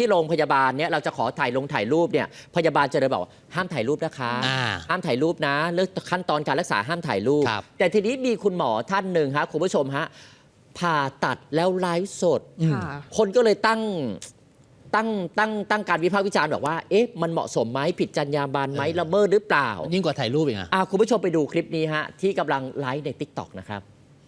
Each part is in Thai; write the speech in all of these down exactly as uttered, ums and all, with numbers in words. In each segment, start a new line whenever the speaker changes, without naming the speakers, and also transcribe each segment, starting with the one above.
ที่โรงพยาบาลเนี่ยเราจะขอถ่ายลงถ่ายรูปเนี่ยพยาบาลจะเลยบอกห้ามถ่ายรูปนะคะห้ามถ่ายรูปนะเรื่องขั้นตอนการรักษาห้ามถ่ายรูปแต่ทีนี้มีคุณหมอท่านหนึ่งฮะคุณผู้ชมฮะผ่าตัดแล้วไลฟ์สดคนก็เลยตั้งตั้งตั้งตั้งการวิพากษ์วิจารณ์บอกว่าเอ๊ะมันเหมาะสมไหมผิดจรรยาบรรณไหมละเมิดหรือเปล่า
ยิ่งกว่าถ่ายรูปอีกอ่ะ
คุณผู้ชมไปดูคลิปนี้ฮะที่กำลังไลฟ์ใน ติ๊กต็อก นะครับ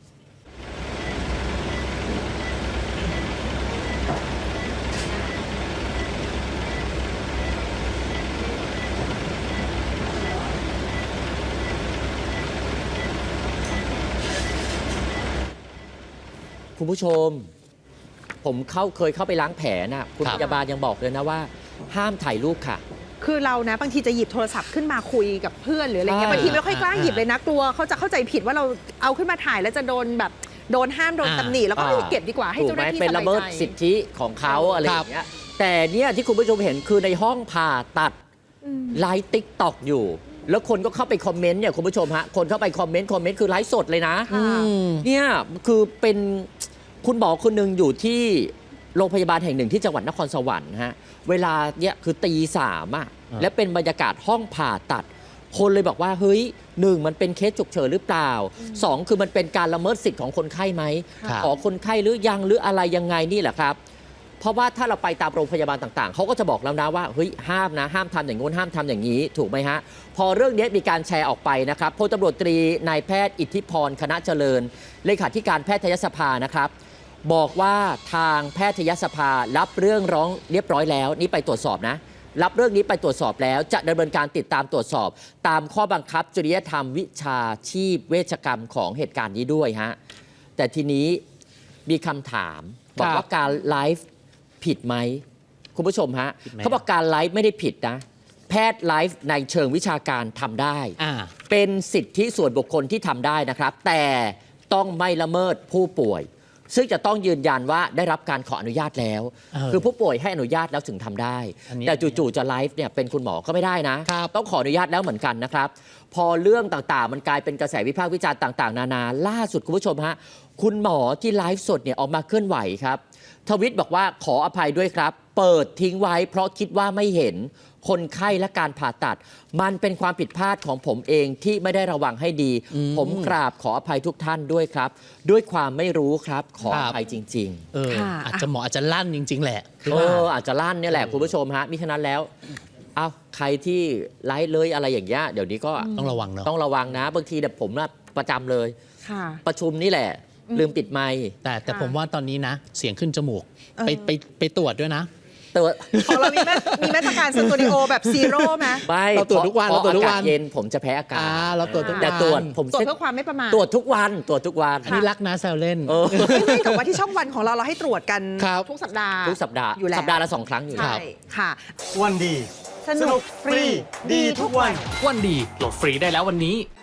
คุณผู้ชมผมเข้าเคยเข้าไปล้างแผลนะคุณพยาบาลยังบอกเลยนะว่าห้ามถ่ายรูปค่ะ
คือเรานะบางทีจะหยิบโทรศัพท์ขึ้นมาคุยกับเพื่อนหรืออะไรเงี้ยบางทีไม่ค่อยกล้าหยิบเลยนะกลัวเขาจะเข้าใจผิดว่าเราเอาขึ้นมาถ่ายแล้วจะโดนแบบโดนห้ามโดนตำหนิแล้วก็เก็บดีกว่าให้เจ้าหน้าที่สบายใจ
เป็นละเมิดสิทธิของเขาอะไรอย่างเงี้ยแต่เนี่ยที่คุณผู้ชมเห็นคือในห้องผ่าตัดไลฟ์ ติ๊กต็อก อยู่แล้วคนก็เข้าไปคอมเมนต์เนี่ยคุณผู้ชมฮะคนเข้าไปคอมเมนต์คอมเมนต์คือไลฟ์สดเลยนะเนี่ยคือเป็นคุณหมอคนหนึ่งอยู่ที่โรงพยาบาลแห่งหนึ่งที่จังหวัดนครสวรรค์ฮะเวลาเนี่ยคือตีสามอ่ะและเป็นบรรยากาศห้องผ่าตัดคนเลยบอกว่าเฮ้ยหนึ่งมันเป็นเคสฉุกเฉินหรือเปล่าสองคือมันเป็นการละเมิดสิทธิ์ของคนไข้ไหมขอคนไข้หรือยังหรืออะไรยังไงนี่แหละครับเพราะว่าถ้าเราไปตามโรงพยาบาลต่างๆเขาก็จะบอกแล้วนะว่าเฮ้ยห้ามนะห้ามทำอย่างงู้นห้ามทำอย่างนี้ถูกไหมฮะพอเรื่องนี้มีการแชร์ออกไปนะครับพลตำรวจตรีนายแพทย์อิทธิพรคณะเจริญเลขาธิการแพทยสภานะครับบอกว่าทางแพทยสภารับเรื่องร้องเรียบร้อยแล้วนี่ไปตรวจสอบนะรับเรื่องนี้ไปตรวจสอบแล้วจะดำเนินการติดตามตรวจสอบตามข้อบังคับจริยธรรมวิชาชีพเวชกรรมของเหตุการณ์นี้ด้วยฮะแต่ทีนี้มีคำถามบอกว่าการไลฟ์ผิดไหมคุณผู้ชมฮะเขาบอกการไลฟ์ไม่ได้ผิดนะแพทย์ไลฟ์ในเชิงวิชาการทำได้เป็นสิทธิส่วนบุคคลที่ทำได้นะครับแต่ต้องไม่ละเมิดผู้ป่วยซึ่งจะต้องยืนยันว่าได้รับการขออนุญาตแล้วคือผู้ป่วยให้อนุญาตแล้วถึงทำได้แต่จู่ๆจะไลฟ์เนี่ยเป็นคุณหมอก็ไม่ได้นะต้องขออนุญาตแล้วเหมือนกันนะครับพอเรื่องต่างๆมันกลายเป็นกระแสวิพากษ์วิจารณ์ต่างๆนานาล่าสุดคุณผู้ชมฮะคุณหมอที่ไลฟ์สดเนี่ยออกมาเคลื่อนไหวครับทวิตบอกว่าขออภัยด้วยครับเปิดทิ้งไว้เพราะคิดว่าไม่เห็นคนไข้และการผ่าตัดมันเป็นความผิดพลาดของผมเองที่ไม่ได้ระวังให้ดีผมกราบขออภัยทุกท่านด้วยครับด้วยความไม่รู้ครับขออภัยจริงๆ
เอออาจจะหมออาจจะลั่นจริงๆแหละ
เอออาจจะลั่นเนี่ยแหละคุณผู้ชมฮะมิฉะนั้นแล้วเอาใครที่ไลฟ์เลยอะไรอย่างเงี้ยเดี๋ยวนี้ก็
ต้องระวังเนาะ
ต้องระวังนะบางทีเนี่ยผมนะประจำเลยประชุมนี่แหละลืมปิดไมค์
แต่แต่ผมว่าตอนนี้นะเสียงขึ้นจมูกไปไปไปตรวจด้วยนะ
ตรวจ
ของเรามีมีมาตรการสตูดิโอแบบซีโร่ไหม
ไม่
เราตรวจทุกวันเราตรวจทุกวัน
เย็นผมจะแพ้อากาศ
เราตรวจทุกวัน
แต่ตรวจผม
ตรวจเพื่อความไม่ประมาท
ตรวจทุกวันตรวจทุกวัน
นี่รักนะแซวเล่น
ไม่กับว่าที่ช่องวันของเราเราให้ตรวจกันทุกสัปดาห์
ทุกสัปดาห์อยู่แล้วสัปดาห์ละสองครั้งอยู่แล้ว
ค่ะ
วันดี
สนุกฟรีดีทุกวัน
วันดีโหลดฟรีได้แล้ววันนี้